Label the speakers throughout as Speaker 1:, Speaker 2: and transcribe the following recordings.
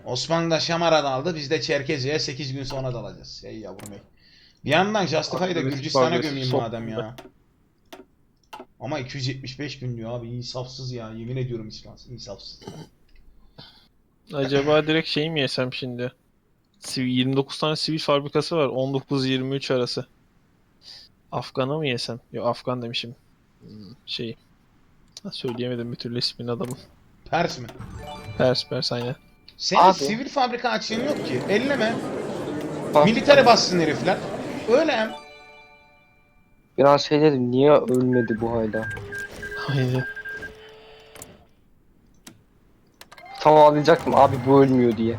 Speaker 1: Osman da Şamara'da aldı. Biz de Çerkezi'ye 8 gün sonra dalacağız. Ey yavrum ey. Bir yandan Justify'ı da Gürcistan'a gömeyim madem ya. Ama 275 gün diyor abi, insafsız ya, yemin ediyorum insafsız.
Speaker 2: Acaba direkt şey mi yesem şimdi? 29 tane sivil fabrikası var 19-23 arası. Afgan'a mı yesem? Yok, Afgan demişim. Şey. Söyleyemedim bir türlü ismini adamın.
Speaker 1: Pers mi?
Speaker 2: Pers aynen.
Speaker 1: Senin
Speaker 3: Abi.
Speaker 1: sivil fabrika açığın yok ki. Elleme.
Speaker 3: Bak,
Speaker 1: Militere bassın herifler. Öyle hem.
Speaker 3: biraz şey dedim, niye ölmedi bu hala?
Speaker 2: Aynen.
Speaker 3: Tam ağlayacaktım abi bu ölmüyor diye.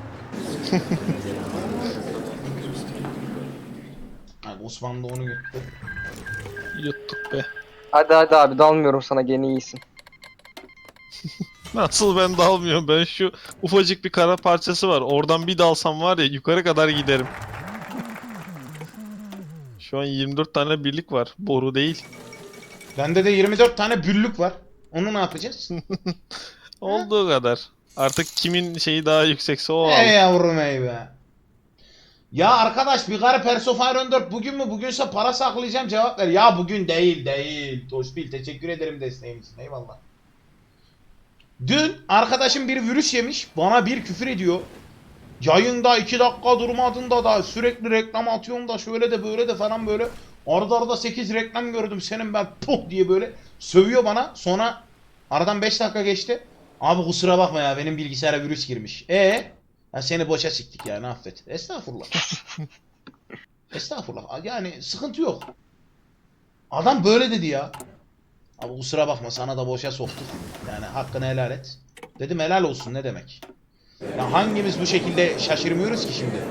Speaker 1: Abi Osman da onu yuttu.
Speaker 2: Yuttuk be.
Speaker 3: Hadi hadi abi dalmıyorum sana, gene iyisin.
Speaker 2: Nasıl ben dalmıyorum? Ben şu ufacık bir kara parçası var. Oradan bir dalsam var ya yukarı kadar giderim. Şu an 24 tane birlik var. Boru değil.
Speaker 1: Bende de 24 tane büllük var. Onu ne yapacağız?
Speaker 2: Olduğu kadar. Artık kimin şeyi daha yüksekse o
Speaker 1: Ey
Speaker 2: al.
Speaker 1: yavrum ey be. Ya arkadaş, bir garip Persofire 14 bugün mü? Bugünse para saklayacağım, cevap ver. Ya bugün değil. Toşbil, teşekkür ederim desteğin için, eyvallah. Dün arkadaşım bir virüs yemiş, bana bir küfür ediyor. Yayında 2 dakika durmadığında da sürekli reklam atıyorsun da şöyle de böyle de falan böyle. Arada arada 8 reklam gördüm senin, ben puh diye böyle sövüyor bana. Sonra aradan 5 dakika geçti. Abi kusura bakma ya, benim bilgisayara virüs girmiş. Ya seni boşa siktik yani, affet. Estağfurullah. Estağfurullah. Yani sıkıntı yok. Adam böyle dedi ya. Abi kusura bakma, sana da boşa soktuk. Yani hakkını helal et. Dedim helal olsun, ne demek. Ya hangimiz bu şekilde şaşırmıyoruz ki şimdi?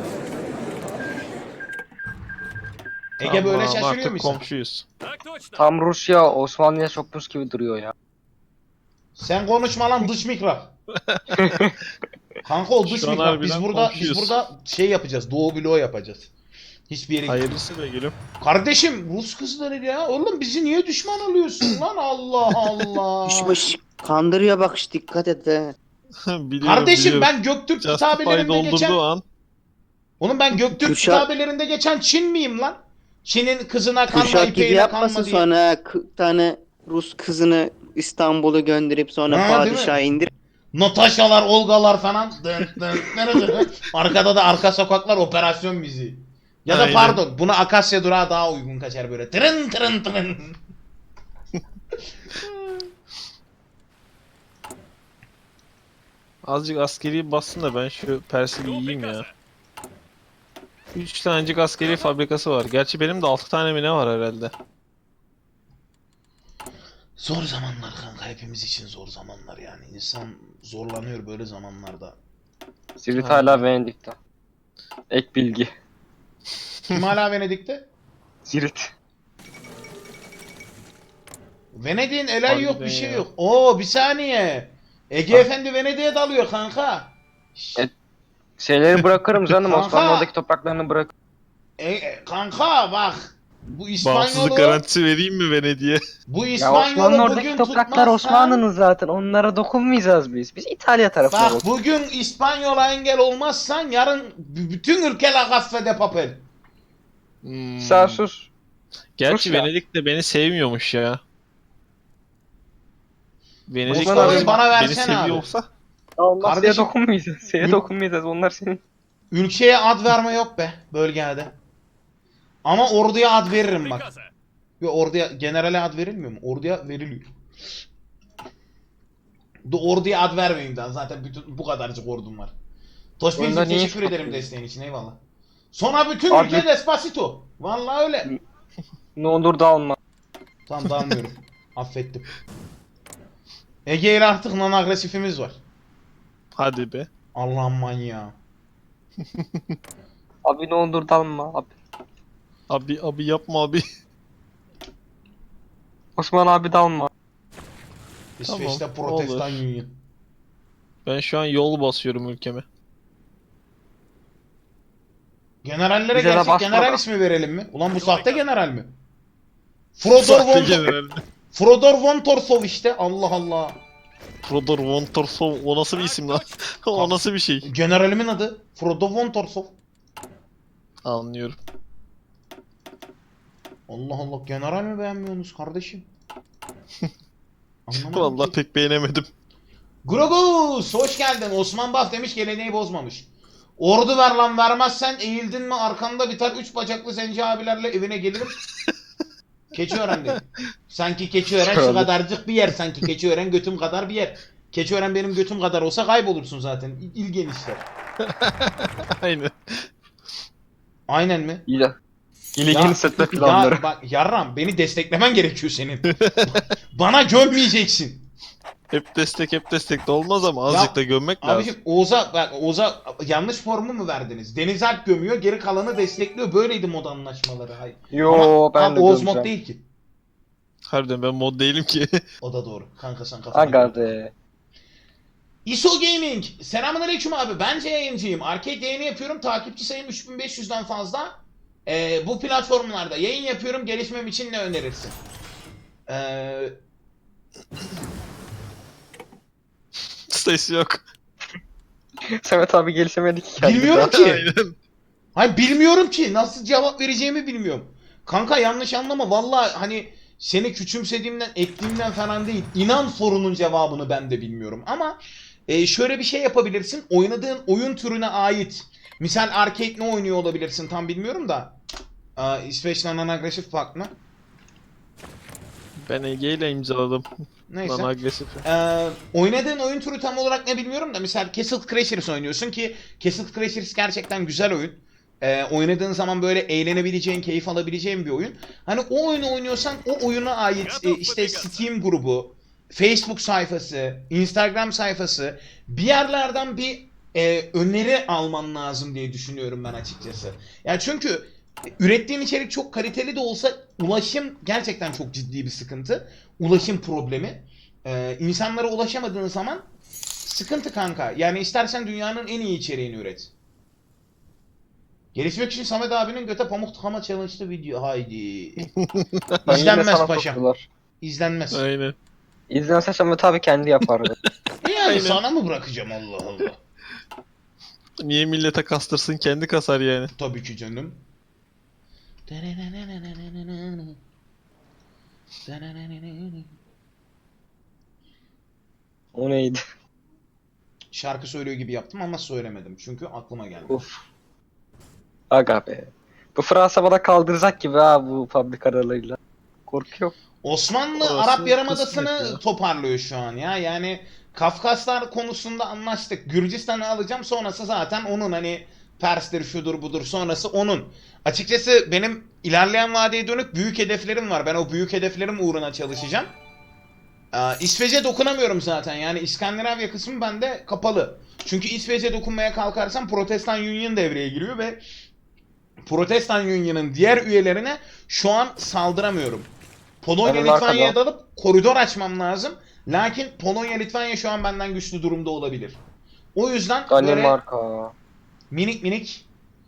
Speaker 1: Ege böyle
Speaker 2: Tamam,
Speaker 1: şaşırıyor
Speaker 2: artık
Speaker 1: musun?
Speaker 2: komşuyuz.
Speaker 3: Tam Rusya Osmanlı'ya sokmuş gibi duruyor ya.
Speaker 1: Sen konuşma lan dış mihrak. Kanka o dış
Speaker 2: Şu an
Speaker 1: mihrak. Biz
Speaker 2: harbiden
Speaker 1: burada
Speaker 2: komşuyuz.
Speaker 1: şey yapacağız. Doğu bloğu yapacağız. Hiçbir yere gitmiyoruz.
Speaker 2: Hayırlısı be gülüm.
Speaker 1: Kardeşim Rus kızları ya. Oğlum bizi niye düşman alıyorsun lan? Allah Allah.
Speaker 4: Düşmüş. Kandırıyor bak, dikkat et he.
Speaker 2: Biliyorum,
Speaker 1: Kardeşim
Speaker 2: biliyorum.
Speaker 1: ben Göktürk
Speaker 2: Justify
Speaker 1: kitabelerinde
Speaker 2: doldurduğu
Speaker 1: geçen...
Speaker 2: an
Speaker 1: Oğlum ben Göktürk
Speaker 4: Kürşat-
Speaker 1: kitabelerinde geçen Çin miyim lan? Çin'in kızına kanma,
Speaker 4: Kürşat gibi
Speaker 1: ipeğine
Speaker 4: yapmasın
Speaker 1: kanma diye.
Speaker 4: sonra tane Rus kızını İstanbul'a gönderip sonra
Speaker 1: Ha, değil mi?
Speaker 4: padişaha indir.
Speaker 1: Natashalar, Olgalar falan. Dın dın dın dın. Arkada da arka sokaklar operasyon müziği. Ya da
Speaker 2: Aynen.
Speaker 1: pardon, buna Akasya Durağı daha uygun kaçar böyle. Tırın tırın tırın.
Speaker 2: azıcık askeri bassın da ben şu Pers'i bir yiyeyim ya. 3 tanecik askeri fabrikası var. Gerçi benim de 6 tane mi ne var herhalde.
Speaker 1: Zor zamanlar kanka, hepimiz için zor zamanlar yani. İnsan zorlanıyor böyle zamanlarda.
Speaker 3: Zirit
Speaker 2: Ha.
Speaker 3: hala Venedik'te. Ek bilgi.
Speaker 1: Kim hala Venedik'te?
Speaker 3: Zirit.
Speaker 1: Venedik'in elayı
Speaker 2: Harbiden
Speaker 1: yok, bir şey
Speaker 2: ya.
Speaker 1: yok. Oo bir saniye. Ege Efendi Venedik'e dalıyor kanka.
Speaker 3: Şeyleri bırakırım canım,
Speaker 1: Kanka.
Speaker 3: Osmanlı oradaki topraklarını bırak.
Speaker 1: Kanka bak. Bu
Speaker 2: Bağımsızlık
Speaker 1: İspanyolu,
Speaker 2: garantisi vereyim mi Venedik'e?
Speaker 1: bu
Speaker 3: Ya Osmanlı
Speaker 1: İspanyolu
Speaker 3: oradaki
Speaker 1: bugün
Speaker 3: topraklar
Speaker 1: tutmazsan-
Speaker 3: Osmanlı'nın zaten, onlara dokunmayacağız biz. Biz İtalya tarafına
Speaker 1: Bak
Speaker 3: bak.
Speaker 1: bugün İspanyol'a engel olmazsan yarın bütün ülke la gaffe de papel.
Speaker 3: Sen sus.
Speaker 2: Gerçi
Speaker 3: Sus ya.
Speaker 2: Venedik de beni sevmiyormuş ya. Venedik
Speaker 3: Osman abi,
Speaker 2: beni
Speaker 1: bana versene
Speaker 2: seviyor
Speaker 1: abi.
Speaker 2: olsa
Speaker 3: Onlar
Speaker 1: Kardeşim-
Speaker 3: şeye dokunmayacağız. Şeye
Speaker 1: Ül-
Speaker 3: dokunmayacağız. Onlar senin.
Speaker 1: Ülkeye ad verme yok be bölgede. Ama orduya ad veririm bak. Ve orduya, generale ad verilmiyor mu? Orduya veriliyor. Orduya ad vermeyeyim daha. Zaten bütün bu kadarcık ordum var. Toşbil'cim
Speaker 3: Onda niye
Speaker 1: teşekkür
Speaker 3: iş
Speaker 1: ederim
Speaker 3: bakıyorsun?
Speaker 1: desteğin için, eyvallah. Sonra bütün
Speaker 3: Abi-
Speaker 1: ülke Despacito. Vallahi öyle.
Speaker 3: Ne olur dalma.
Speaker 1: Tamam dalmıyorum. Affettim. Ege ile artık non agresifimiz var.
Speaker 2: hadi be.
Speaker 1: Allah'ım manyağı.
Speaker 3: Abi ne olur dalma. Abi.
Speaker 2: Abi yapma abi.
Speaker 3: Osman abi dalma.
Speaker 1: İsveç'te
Speaker 2: Tamam,
Speaker 1: Protestan
Speaker 2: olur.
Speaker 1: Union.
Speaker 2: Ben şu an yol basıyorum ülkeme.
Speaker 1: Generallere
Speaker 3: Bize de
Speaker 1: gerçek
Speaker 3: basma
Speaker 1: general
Speaker 3: da.
Speaker 1: ismi verelim mi? Ulan bu sahte general mi? Frodor
Speaker 2: Sahte
Speaker 1: von,
Speaker 2: general.
Speaker 1: Frodor von Torsov işte. Allah Allah.
Speaker 2: Frodor von Torsov o nasıl bir isim lan? O nasıl bir şey?
Speaker 1: Generalimin adı Frodo von Torsov.
Speaker 2: Anlıyorum.
Speaker 1: Allah Allah, general mi beğenmiyorsunuz kardeşim? Anlamadım
Speaker 2: Vallahi
Speaker 1: ki.
Speaker 2: pek beğenemedim.
Speaker 1: Grogus hoş geldin. Osman Baf demiş geleneği bozmamış. Ordu ver lan, vermezsen eğildin mi arkanda biter 3 bacaklı zenci abilerle evine gelirim. Keçiören'deyim. Sanki Keçiören şu kadarcık bir yer, sanki Keçiören götüm kadar bir yer. Keçiören benim götüm kadar olsa kaybolursun zaten. İl genişler.
Speaker 2: Aynen.
Speaker 1: Aynen mi?
Speaker 3: İle. İle
Speaker 1: Ya-
Speaker 3: yeni setme planları.
Speaker 1: Ya bak yarram, beni desteklemen gerekiyor senin. Bana gömmeyeceksin.
Speaker 2: Hep destek de olmaz ama azıcık da gömmek lazım.
Speaker 1: Abiciğim Oğuz'a yanlış formu mu verdiniz? Deniz Alp gömüyor, geri kalanı destekliyor. Böyleydi mod anlaşmaları. Hayır.
Speaker 3: Yo ben de
Speaker 1: Oğuz mod
Speaker 3: gömeceğim.
Speaker 1: değil ki.
Speaker 2: Harbiden ben mod değilim ki.
Speaker 1: O da doğru. Kanka sen kafana.
Speaker 3: Aga be.
Speaker 1: ISO Gaming. Selamünaleyküm abi. Bence yayıncıyım. Arcade yayını yapıyorum. Takipçi sayım 3500'den fazla. Bu platformlarda yayın yapıyorum. Gelişmem için ne önerirsin?
Speaker 2: Ses yok.
Speaker 3: Samet abi gelişemedi ki kendisi.
Speaker 1: Bilmiyorum ki.
Speaker 2: Aynen.
Speaker 1: Hayır, bilmiyorum ki. Nasıl cevap vereceğimi bilmiyorum. Kanka yanlış anlama. Vallahi hani seni küçümsediğimden, ettiğimden falan değil. İnan sorunun cevabını ben de bilmiyorum. Ama şöyle bir şey yapabilirsin. Oynadığın oyun türüne ait. Misal arcade ne oynuyor olabilirsin tam bilmiyorum da. İsveç'ten agresif fark mı?
Speaker 2: Ben Ege ile imzaladım.
Speaker 1: Neyse.
Speaker 2: Lan agresif.
Speaker 1: Oynadığın oyun türü tam olarak ne bilmiyorum da misal Castle Crashers oynuyorsun ki Castle Crashers gerçekten güzel oyun. Oynadığın zaman böyle eğlenebileceğin, keyif alabileceğin bir oyun. Hani o oyunu oynuyorsan o oyuna ait işte Steam grubu, Facebook sayfası, Instagram sayfası bir yerlerden bir öneri alman lazım diye düşünüyorum ben açıkçası. Yani çünkü ürettiğin içerik çok kaliteli de olsa ulaşım gerçekten çok ciddi bir sıkıntı. Ulaşım problemi. İnsanlara ulaşamadığın zaman sıkıntı kanka. Yani istersen dünyanın en iyi içeriğini üret. Gelişmek için Samet abinin göte pamuk tıkama challenge'lı video. Haydi.
Speaker 3: Ben yine
Speaker 1: İzlenmez
Speaker 3: sana
Speaker 1: paşam.
Speaker 3: soktular.
Speaker 1: İzlenmez.
Speaker 2: Aynen.
Speaker 3: İzlense Samet abi kendi yapardı.
Speaker 1: Yani
Speaker 2: Aynen.
Speaker 1: sana mı bırakacağım, Allah Allah.
Speaker 2: Niye millete kastırsın, kendi kasar yani.
Speaker 1: Tabii ki canım.
Speaker 3: O neydi?
Speaker 1: Şarkı söylüyor gibi yaptım ama söylemedim. Çünkü aklıma geldi.
Speaker 3: Uf. Aga be. Bu Fransa bana kaldıracak gibi ha bu fabrikalarıyla. Korkuyorum.
Speaker 1: Osmanlı
Speaker 2: Orası
Speaker 1: Arap Yarımadası'nı
Speaker 2: kısmet ya.
Speaker 1: toparlıyor şu an ya. Yani Kafkaslar konusunda anlaştık. Gürcistan'ı alacağım, sonrası zaten onun, hani Pers'tir şudur budur, sonrası onun. Açıkçası benim ilerleyen vadeye dönük büyük hedeflerim var. Ben o büyük hedeflerim uğruna çalışacağım. İsveç'e dokunamıyorum zaten. Yani İskandinavya kısmı bende kapalı. Çünkü İsveç'e dokunmaya kalkarsam Protestan Union devreye giriyor ve Protestan Union'ın diğer üyelerine şu an saldıramıyorum. Polonya
Speaker 3: Benim
Speaker 1: Litvanya'ya
Speaker 3: arkada.
Speaker 1: dalıp koridor açmam lazım. Lakin Polonya Litvanya şu an benden güçlü durumda olabilir. O yüzden böyle
Speaker 3: Danimarka.
Speaker 1: minik minik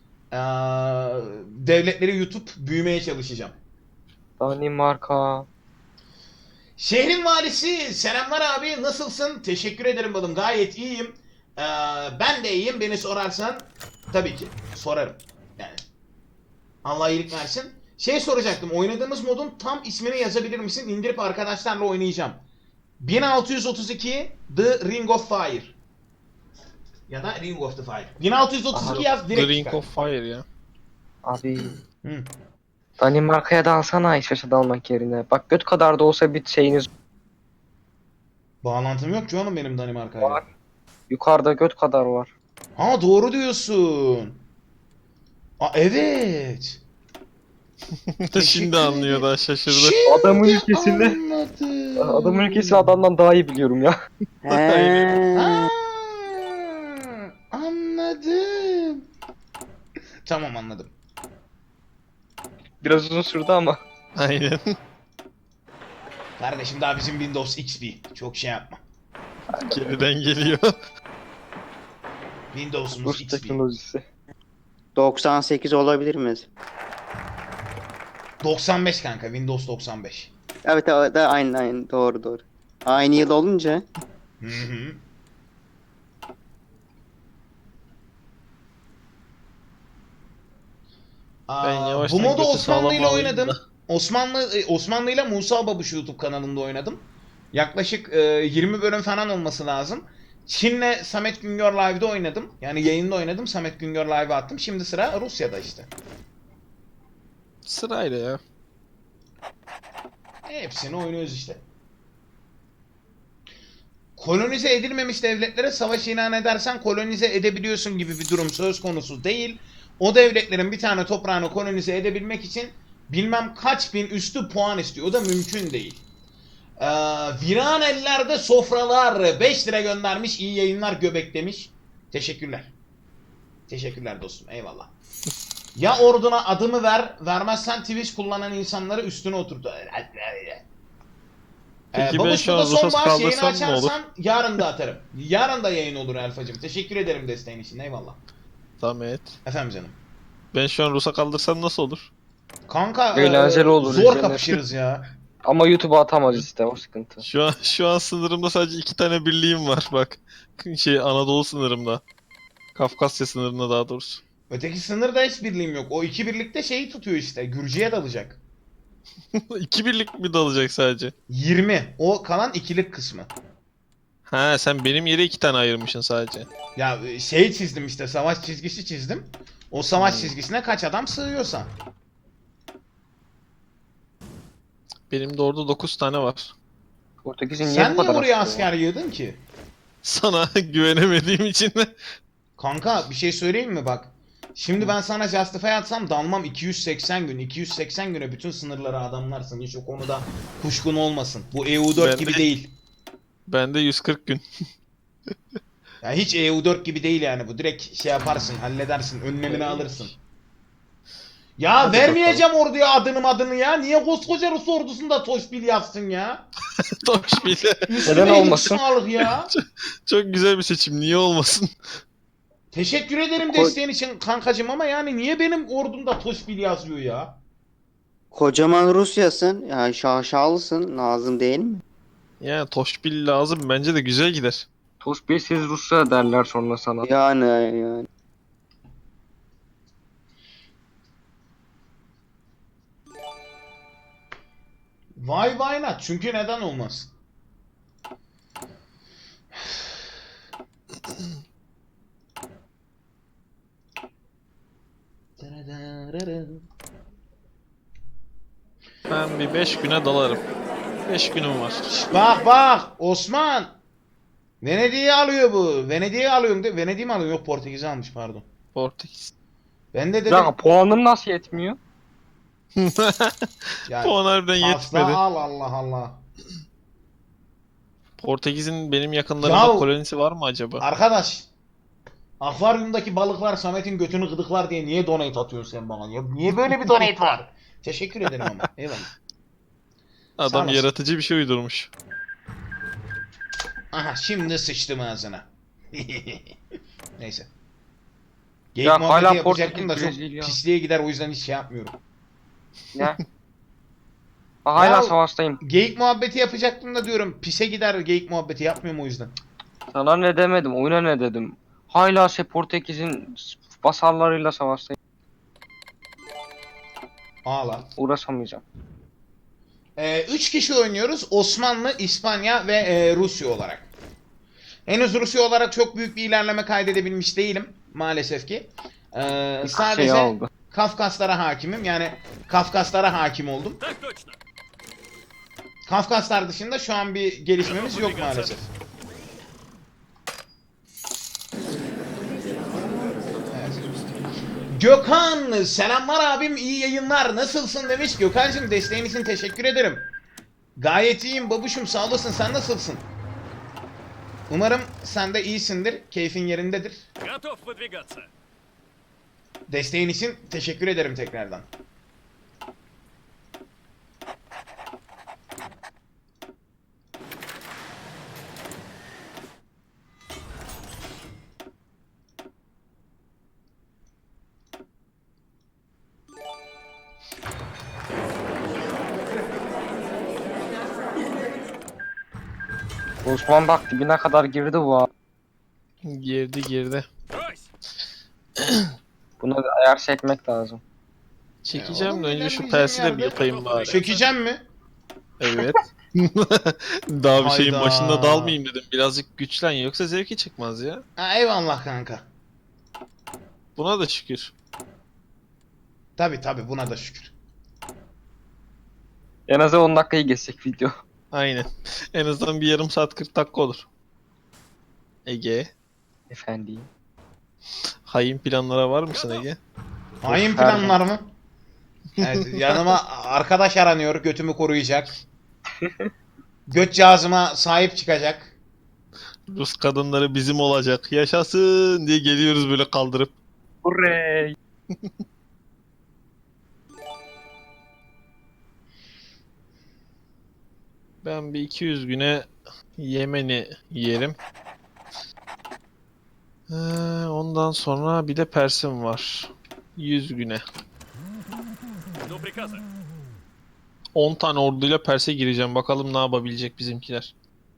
Speaker 1: devletleri yutup büyümeye çalışacağım.
Speaker 3: Danimarka.
Speaker 1: Şehrin valisi selamlar abi, nasılsın? Teşekkür ederim balım, gayet iyiyim. Ben de iyiyim, beni sorarsan tabii ki sorarım. Yani Allah iyilik versin. Şey soracaktım, oynadığımız modun tam ismini yazabilir misin? İndirip arkadaşlarla oynayacağım. 1632 The Ring of Fire. Ya da Ring of the Fire. 1632 yaz direkt
Speaker 2: The Ring
Speaker 1: çıkar.
Speaker 2: of Fire ya.
Speaker 3: Abi.
Speaker 1: Hı.
Speaker 3: Danimarka'ya da alsana İsveç'e de almak yerine. Bak göt kadar da olsa bir şeyiniz
Speaker 1: Bağlantım yok ki oğlum benim Danimarka'ya.
Speaker 3: var. Yukarıda göt kadar var.
Speaker 1: Ha doğru diyorsun. Evet.
Speaker 2: Şimdi anlıyor da şaşırdı.
Speaker 1: Şimdi
Speaker 3: Adamın ülkesinde-
Speaker 1: anladım.
Speaker 3: Adamın ülkesini adamdan daha iyi biliyorum ya.
Speaker 1: Ha, anladım. Tamam, anladım.
Speaker 3: Biraz uzun sürdü ama.
Speaker 2: Aynen.
Speaker 1: Kardeşim daha bizim Windows XP. Çok şey yapma.
Speaker 2: Geriden geliyor.
Speaker 1: Windows'umuz
Speaker 3: Rus
Speaker 1: XP.
Speaker 3: teknolojisi.
Speaker 4: 98 olabilir mi?
Speaker 1: 95 kanka, Windows 95.
Speaker 4: Evet, evet, aynen doğru. Aynı yıl olunca
Speaker 1: Hı hı.
Speaker 2: Ben
Speaker 1: Bu
Speaker 2: yavaştan
Speaker 1: modu
Speaker 2: götü
Speaker 1: Osmanlı
Speaker 2: sağlam
Speaker 1: ile
Speaker 2: alayım da.
Speaker 1: oynadım. Osmanlı ile Musa Babuş YouTube kanalında oynadım. Yaklaşık 20 bölüm falan olması lazım. Çin'le Samet Güngör Live'da oynadım. Yani yayında oynadım. Samet Güngör Live'a attım. Şimdi sıra Rusya'da işte.
Speaker 2: Sırayla ya.
Speaker 1: Hepsini oynuyoruz işte. Kolonize edilmemiş devletlere savaş ilan edersen kolonize edebiliyorsun gibi bir durum söz konusu değil. O devletlerin bir tane toprağını kolonize edebilmek için bilmem kaç bin üstü puan istiyor. O da mümkün değil. Viran ellerde sofralar 5 lira göndermiş. İyi yayınlar göbek demiş. Teşekkürler. Teşekkürler dostum. Eyvallah. Ya orduna adımı ver, vermezsen Twitch kullanan insanları üstüne oturdu.
Speaker 2: Peki ben
Speaker 1: Babuş
Speaker 2: şu an
Speaker 1: burada son
Speaker 2: Rusas
Speaker 1: bağış yayını
Speaker 2: kaldırsam ne olur?
Speaker 1: açarsan yarın da atarım. Yarın da yayın olur Elfacım. Teşekkür ederim desteğin için. Eyvallah.
Speaker 2: Samet.
Speaker 1: Efendim canım.
Speaker 2: Ben şu an Rus'a kaldırsam nasıl olur?
Speaker 1: Kanka
Speaker 3: Eğlenceli olur,
Speaker 1: zor
Speaker 3: izlenir.
Speaker 1: kapışırız ya.
Speaker 3: Ama YouTube'a atamaz işte, o sıkıntı.
Speaker 2: Şu an sınırımda sadece 2 tane birliğim var bak. Anadolu sınırımda. Kafkasya sınırında daha doğrusu.
Speaker 1: Öteki sınırda hiç birliğim yok. O iki birlikte şeyi tutuyor işte. Gürcü'ye dalacak.
Speaker 2: 2 birlik mi dalacak sadece?
Speaker 1: 20. O kalan ikilik kısmı.
Speaker 2: Ha, sen benim yere 2 tane ayırmışsın sadece.
Speaker 1: Ya şey çizdim işte. Savaş çizgisi çizdim. O savaş
Speaker 2: Hmm.
Speaker 1: çizgisine kaç adam sığıyorsa.
Speaker 2: Benim de orada 9 tane var.
Speaker 3: Portekiz'in niye
Speaker 1: Sen
Speaker 3: bu
Speaker 1: niye
Speaker 3: kadar
Speaker 1: oraya
Speaker 3: atıyor ya?
Speaker 1: asker yığdın ki?
Speaker 2: Sana güvenemediğim için de.
Speaker 1: Kanka bir şey söyleyeyim mi bak. Şimdi ben sana Justify atsam dalmam 280 gün. 280 güne bütün sınırları adamlarsın. Hiç o konuda kuşkun olmasın. Bu EU4
Speaker 2: Ben
Speaker 1: gibi
Speaker 2: de-
Speaker 1: değil.
Speaker 2: Ben de 140 gün.
Speaker 1: Ya hiç EU4 gibi değil yani bu. Direkt şey yaparsın, halledersin, önlemini alırsın. Ya
Speaker 3: Hadi
Speaker 1: vermeyeceğim orduya adını ya. Niye koskoca Rus ordusunda Toşbil yazsın ya?
Speaker 2: Toş bile.
Speaker 1: Üstüme
Speaker 3: Neden
Speaker 1: iyilik
Speaker 3: olmasın?
Speaker 1: sağlık ya.
Speaker 2: Çok güzel bir seçim. Niye olmasın?
Speaker 1: Teşekkür ederim
Speaker 3: Ko-
Speaker 1: desteğin için kankacım ama yani niye benim ordumda Toşbil yazıyor ya?
Speaker 4: Kocaman Rusya'sın. Ya şaşalısın. Lazım değil mi?
Speaker 2: Yani Toşbil lazım. Bence de güzel gider.
Speaker 3: Toş Bey, siz Rusya derler sonra sana.
Speaker 4: Yani.
Speaker 1: Why not? Çünkü neden olmaz?
Speaker 2: Ben bir 5 güne dalarım. 5 günüm var.
Speaker 1: Bak Osman. Venedik'i alıyor bu. Venedik'i alıyorum de. Venedik'i mi alıyor? Yok Portekiz'i almış pardon.
Speaker 2: Portekiz.
Speaker 1: Ben de
Speaker 3: Bir
Speaker 1: dedim.
Speaker 3: dakika, puanım nasıl yetmiyor?
Speaker 1: Ya,
Speaker 2: Puan harbiden
Speaker 1: pasta
Speaker 2: yetmedi.
Speaker 1: al Allah Allah.
Speaker 2: Portekiz'in benim yakınlarımda
Speaker 1: Yahu-
Speaker 2: kolonisi var mı acaba?
Speaker 1: Arkadaş. Akvaryumdaki balıklar Samet'in götünü gıdıklar diye niye donate atıyorsun sen bana? Ya, niye böyle bir donate var? Teşekkür ederim ama. Eyvallah. Sağ
Speaker 2: Adam
Speaker 1: olasın.
Speaker 2: yaratıcı bir şey uydurmuş.
Speaker 1: Aha şimdi sıçtım ağzına. Neyse.
Speaker 3: Ya
Speaker 1: Geyik muhabbeti
Speaker 3: hala
Speaker 1: yapacaktım da
Speaker 3: Portekiz,
Speaker 1: çok
Speaker 3: Brezilya.
Speaker 1: pisliğe gider o yüzden hiç şey yapmıyorum.
Speaker 3: Ne? Hala
Speaker 1: Ya-
Speaker 3: savaştayım.
Speaker 1: Geyik muhabbeti yapacaktım da diyorum pise gider geyik muhabbeti yapmıyorum o yüzden.
Speaker 3: Sana ne demedim, oyuna ne dedim. Hala Portekiz'in basarlarıyla savaştayım.
Speaker 1: Ağla.
Speaker 3: Uğraşamayacağım.
Speaker 1: 3 kişi oynuyoruz. Osmanlı, İspanya ve Rusya olarak. Henüz Rusya olarak çok büyük bir ilerleme kaydedebilmiş değilim maalesef ki. Sadece
Speaker 3: Şey oldu.
Speaker 1: Kafkaslara hakimim. Yani Kafkaslara hakim oldum. Kafkaslar dışında şu an bir gelişmemiz yok maalesef. Evet. Gökhan selamlar abim iyi yayınlar nasılsın demiş. Gökhan'cığım desteğin için teşekkür ederim. Gayet iyiyim babuşum sağ olasın sen nasılsın? Umarım sen de iyisindir keyfin yerindedir.
Speaker 5: Готов выдвигаться.
Speaker 1: Desteğin için teşekkür ederim tekrardan.
Speaker 3: Osman bak dibine kadar girdi bu abi.
Speaker 2: Girdi.
Speaker 3: Buna bir ayar çekmek lazım.
Speaker 2: Çekeceğim
Speaker 1: oğlum,
Speaker 2: de önce şu
Speaker 1: ilerleyeceğim
Speaker 2: persi de bir
Speaker 1: yerde.
Speaker 2: yapayım bari.
Speaker 1: Çökeceğim mi?
Speaker 2: Evet. Daha bir şeyin
Speaker 1: Hayda.
Speaker 2: başında dalmayayım dedim. Birazcık güçlen yoksa zevki çıkmaz ya.
Speaker 1: Ha, eyvallah kanka.
Speaker 2: Buna da şükür.
Speaker 1: Tabi buna da şükür.
Speaker 3: En az 10 dakikayı geçecek video.
Speaker 2: Aynen. En azından bir yarım saat 40 dakika olur. Ege.
Speaker 3: Efendim.
Speaker 2: Hain planlara var mısın Ege?
Speaker 1: Hain
Speaker 3: Her
Speaker 1: planlar mı? Evet, yanıma arkadaş aranıyor, götümü koruyacak. Göt cihazıma sahip çıkacak.
Speaker 2: Rus kadınları bizim olacak. Yaşasın diye geliyoruz böyle kaldırıp.
Speaker 3: Hurray.
Speaker 2: Ben bir 200 güne Yemen'i yerim. Ondan sonra bir de Pers'im var. 100 güne. 10 tane orduyla Pers'e gireceğim. Bakalım ne yapabilecek bizimkiler.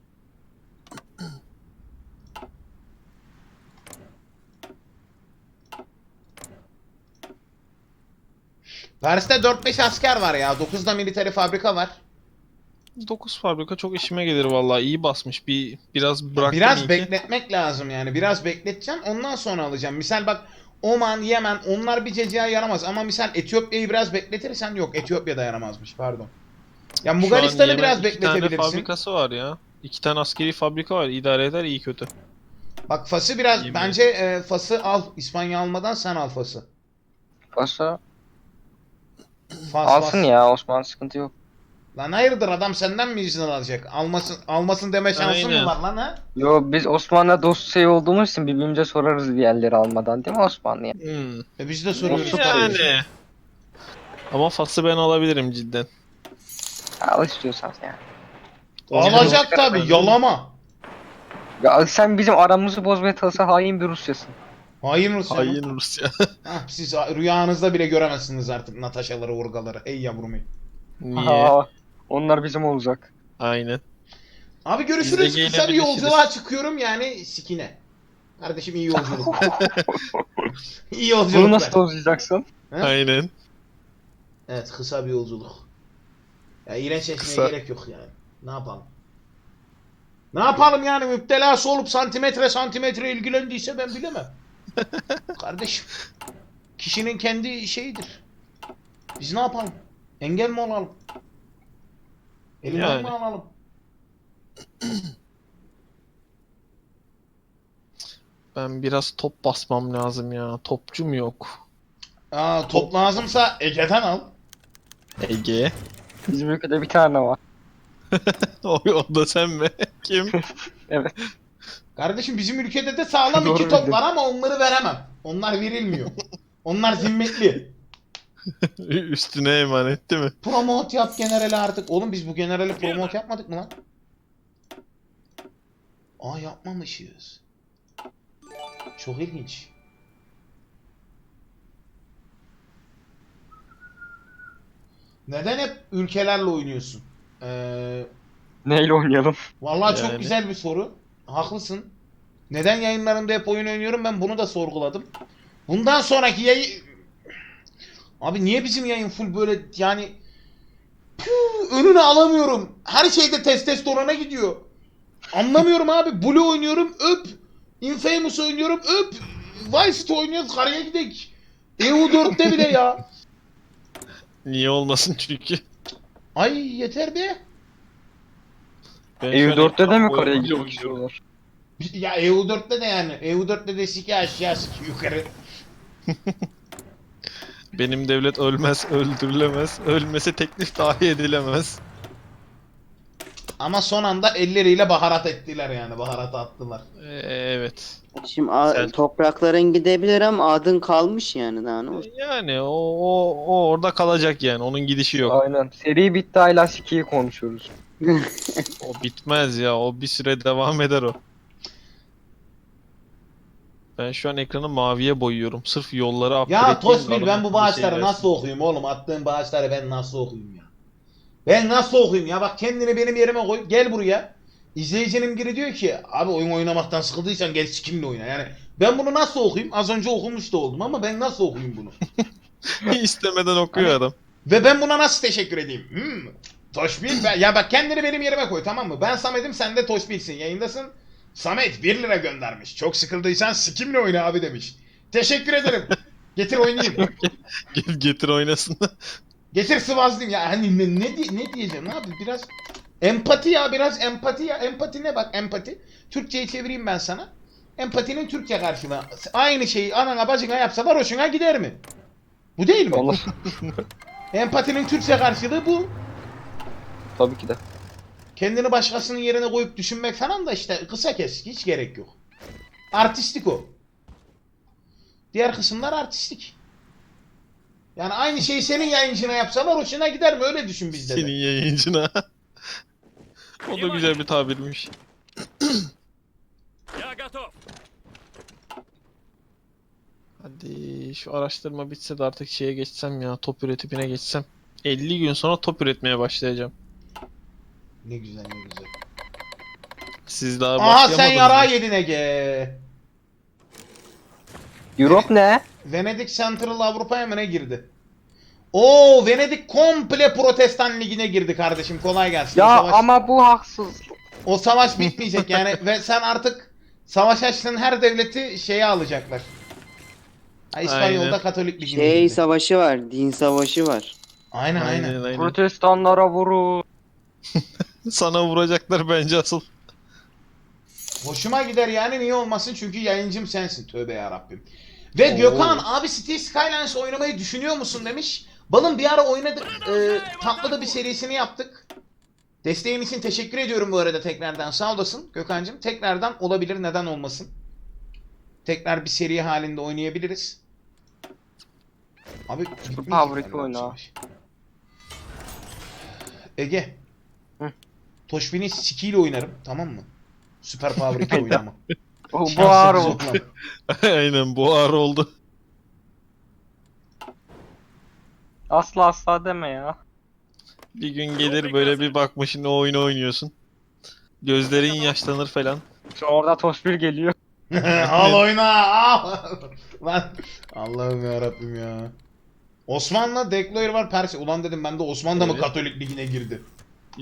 Speaker 1: Paris'te 4-5 asker var ya. 9'da military fabrika var.
Speaker 2: 9 fabrika çok işime gelir vallahi. İyi basmış. Biraz bıraktım iyi
Speaker 1: Biraz
Speaker 2: ki.
Speaker 1: bekletmek lazım yani. Biraz bekleteceğim. Ondan sonra alacağım. Misal bak Oman, Yemen onlar bir cecaya yaramaz. Ama misal Etiyopya'yı biraz bekletirsen yok. Etiyopya da yaramazmış pardon. Ya
Speaker 2: Şu an
Speaker 1: Moğolistan'ı
Speaker 2: Yemen
Speaker 1: biraz
Speaker 2: 2 tane
Speaker 1: bekletebilirsin.
Speaker 2: fabrikası var ya. 2 tane askeri fabrika var. İdare eder iyi kötü.
Speaker 1: Bak Fas'ı biraz
Speaker 2: Yemin.
Speaker 1: bence Fas'ı al. İspanya almadan sen al Fas'ı.
Speaker 3: Varsa
Speaker 1: Fas,
Speaker 3: alsın
Speaker 1: Fas.
Speaker 3: ya, Osman sıkıntı yok.
Speaker 1: Lan hayırdır adam senden mi izin alacak? Almasın deme şansın
Speaker 2: Aynen.
Speaker 1: mı var lan ha?
Speaker 3: Yo, biz Osman'la dost şey olduğumuz için birbirimize sorarız diğerleri almadan, değil mi Osman ya?
Speaker 1: Biz de soruyoruz.
Speaker 2: Yani. Ama Fas'ı ben alabilirim cidden.
Speaker 3: Al istiyorsan yani.
Speaker 1: Alacak tabi yalama.
Speaker 3: Ya sen bizim aramızı bozmaya çalışsa hain bir Rusyasın.
Speaker 1: Hain Rusya mı?
Speaker 2: Hain Rusya.
Speaker 1: Hah, siz rüyanızda bile göremezsiniz artık Natasha'ları, Urgaları. Ey yavrum ey.
Speaker 2: Niye?
Speaker 3: Aa, onlar bizim olacak.
Speaker 2: Aynen.
Speaker 1: Abi
Speaker 2: Biz de
Speaker 1: görüşürüz. Kısa bir
Speaker 2: gelebiliriz.
Speaker 1: yolculuğa çıkıyorum yani sikine. Kardeşim iyi yolculuk. İyi yolculuklar.
Speaker 3: Bunu nasıl dozlayacaksın?
Speaker 1: He?
Speaker 2: Aynen.
Speaker 1: Evet kısa bir yolculuk. Ya iğrençleşmeye
Speaker 2: Kısa.
Speaker 1: gerek yok yani. Ne yapalım? Ne yapalım yani müptelası olup santimetre ilgilendiyse ben bilemem. Kardeşim. Kişinin kendi şeyidir. Biz ne yapalım? Engel mi olalım? Elinden
Speaker 2: Yani.
Speaker 1: mi alalım?
Speaker 2: Ben biraz top basmam lazım ya. Topçum yok.
Speaker 1: Aa, top lazımsa Ege'den al.
Speaker 2: Ege.
Speaker 3: Bizim ülkede bir tane var.
Speaker 2: O da sen mi? Kim?
Speaker 3: Evet.
Speaker 1: Kardeşim bizim ülkede de sağlam
Speaker 3: Doğru
Speaker 1: iki top
Speaker 3: bildin.
Speaker 1: var ama onları veremem. Onlar verilmiyor. Onlar zimmetli.
Speaker 2: Üstüne emanet değil mi?
Speaker 1: Promote yap generali artık. Oğlum biz bu generali promote yapmadık mı lan? Aa yapmamışız. Çok ilginç. Neden hep ülkelerle oynuyorsun?
Speaker 3: Neyle oynayalım?
Speaker 1: Vallahi çok
Speaker 2: Yani.
Speaker 1: güzel bir soru. Haklısın. Neden yayınlarımda hep oyun oynuyorum ben bunu da sorguladım. Bundan sonraki yayın... Abi niye bizim yayın full böyle yani... Önüne alamıyorum. Her şeyde testosterona gidiyor. Anlamıyorum abi. Blue oynuyorum öp. Infamous oynuyorum öp. Vice City oynuyoruz karaya gidek. EU4'te bile ya.
Speaker 2: Niye olmasın çünkü.
Speaker 1: Ay yeter be.
Speaker 2: Ben şu an
Speaker 3: EU4'te de mi
Speaker 2: ekran
Speaker 3: karaya
Speaker 2: boyunca
Speaker 3: gitmek
Speaker 2: oynuyorum.
Speaker 3: istiyorlar?
Speaker 1: Ya EU4'te de yani. EU4'te de siki aşağı siki yukarı.
Speaker 2: Benim devlet ölmez, öldürülemez. Ölmese teklif dahi edilemez.
Speaker 1: Ama son anda elleriyle baharat ettiler yani. Baharat attılar.
Speaker 2: Evet.
Speaker 4: Şimdi
Speaker 2: Selçuk.
Speaker 4: toprakların gidebilir ama adın kalmış yani daha ne olsun.
Speaker 2: Yani o orada kalacak yani. Onun gidişi yok.
Speaker 3: Aynen. Seri bitti, hala Siki'yi konuşuyoruz.
Speaker 2: O bitmez ya. O bir süre devam eder o. Ben şu an ekranı maviye boyuyorum. Sırf yolları upgrade
Speaker 1: Ya
Speaker 2: edeyim,
Speaker 1: Tosbil
Speaker 2: bana
Speaker 1: ben bu
Speaker 2: bir
Speaker 1: bağışları
Speaker 2: şey
Speaker 1: nasıl okuyayım oğlum? Attığın bağışları ben nasıl okuyayım ya? Ben nasıl okuyayım ya? Bak kendini benim yerime koy. Gel buraya. İzleyicinin biri diyor ki abi oyun oynamaktan sıkıldıysan gel sikimle oyna. Yani ben bunu nasıl okuyayım? Az önce okumuş da oldum ama ben nasıl okuyayım bunu?
Speaker 2: İstemeden okuyor
Speaker 1: Hani-
Speaker 2: adam.
Speaker 1: Ve ben buna nasıl teşekkür edeyim? Toşbil ya bak kendini benim yerime koy tamam mı? Ben Samet'im sen de Toşbil'sin yayındasın. Samet 1 lira göndermiş. Çok sıkıldıysan sikimle oyna abi demiş. Teşekkür ederim. Getir oynayayım.
Speaker 2: Getir oynasın.
Speaker 1: Getir sıvazlayayım ya. Hani ne diyeceğim abi biraz empati ya biraz empati ya. Empati ne bak empati. Türkçe'ye çevireyim ben sana. Empatinin Türkçe karşılığı. Aynı şeyi anana bacına yapsalar hoşuna gider mi? Bu değil mi?
Speaker 3: Olur.
Speaker 1: Empatinin Türkçe karşılığı bu.
Speaker 3: Tabii ki de.
Speaker 1: Kendini başkasının yerine koyup düşünmek falan da işte kısa kes. Hiç gerek yok. Artistik o. Diğer kısımlar artistik. Yani aynı şeyi senin yayıncına yapsalar hoşuna gider mi? Öyle düşün bizde de.
Speaker 2: Senin yayıncına. O da güzel bir tabirmiş.
Speaker 5: Я готов.
Speaker 2: Hadi şu araştırma bitse de artık şeye geçsem ya, top üretimine geçsem. 50 gün sonra top üretmeye başlayacağım.
Speaker 1: Ne güzel ne güzel.
Speaker 2: Siz daha
Speaker 1: Aha
Speaker 2: başlayamadınız
Speaker 1: sen
Speaker 2: mı?
Speaker 1: yarağı yedin Ege.
Speaker 3: Europe ne?
Speaker 1: Venedik Central Avrupa'ya mı ne girdi? Oo Venedik komple Protestan Ligi'ne girdi kardeşim. Kolay gelsin.
Speaker 3: Ya
Speaker 1: O savaş,
Speaker 3: ama bu haksız.
Speaker 1: o savaş bitmeyecek yani ve sen artık savaş açtığın her devleti şeye alacaklar. Ha, İspanyol'da
Speaker 2: Aynen.
Speaker 1: Katolik Ligi'ne
Speaker 4: Şey
Speaker 1: girdi.
Speaker 4: savaşı var, din savaşı var.
Speaker 1: Aynen aynen.
Speaker 2: Aynen aynen.
Speaker 3: Protestanlara vurun.
Speaker 2: Sana vuracaklar bence asıl.
Speaker 1: Hoşuma gider yani niye olmasın çünkü yayıncım sensin. Tövbe yarabbim. Ve
Speaker 3: Oo.
Speaker 1: Gökhan abi City Skylines oynamayı düşünüyor musun demiş. Balım bir ara oynadık. Tatlı da bir serisini yaptık. Desteğin için teşekkür ediyorum bu arada tekrardan. Sağ olasın Gökhan'cığım. Tekrardan olabilir neden olmasın. Tekrar bir seri halinde oynayabiliriz. Abi bitmeyecek
Speaker 3: Fabrika
Speaker 1: galiba
Speaker 3: oyna.
Speaker 1: savaş. Ege.
Speaker 3: Hı.
Speaker 1: Toşbin'i sikiyle oynarım tamam mı? Süper Power 2 oynama.
Speaker 3: Bu
Speaker 1: Şans
Speaker 3: ağır
Speaker 1: sekiz
Speaker 3: oldu.
Speaker 1: oynama.
Speaker 2: Aynen bu ağır oldu.
Speaker 3: Asla asla deme ya.
Speaker 2: Bir gün gelir böyle bir bakmışsın o oyunu oynuyorsun. Gözlerin yaşlanır falan.
Speaker 3: Şu orada Tosbir geliyor.
Speaker 1: Al oyna al. Lan Allah'ım ya Rabbim ya. Osman'la Dekloyer var Persi. Ulan dedim ben de Osman da mı
Speaker 2: Evet.
Speaker 1: Katolik Ligi'ne girdi?